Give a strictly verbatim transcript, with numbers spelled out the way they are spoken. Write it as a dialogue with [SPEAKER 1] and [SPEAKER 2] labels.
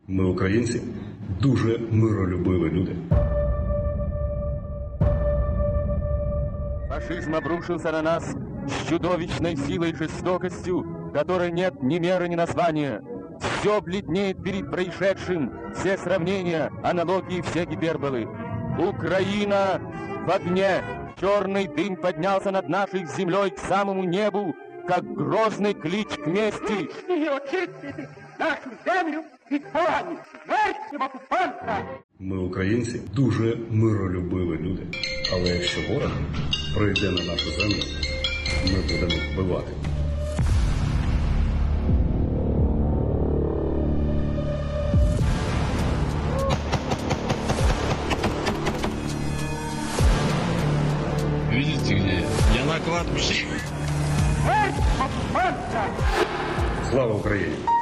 [SPEAKER 1] Ми, українці, дуже миролюбиві люди.
[SPEAKER 2] Фашизм обрушился на нас с чудовищной силой и жестокостью, которой нет ни меры, ни названия. Все бледнеет перед происшедшим, все сравнения, аналогии, все гиперболы. Украина в огне! Черный дым поднялся над нашей землей к самому небу, как грозный клич к мести.
[SPEAKER 3] Не очистити нашу землю від поганів, зверхів окупанта.
[SPEAKER 1] Ми, українці, дуже миролюбиві люди. Але якщо ворог прийде на нашу землю, ми будемо вбивати.
[SPEAKER 4] Видите где я? Я на кладбище.
[SPEAKER 3] Смерть окупанта!
[SPEAKER 1] Слава Україні!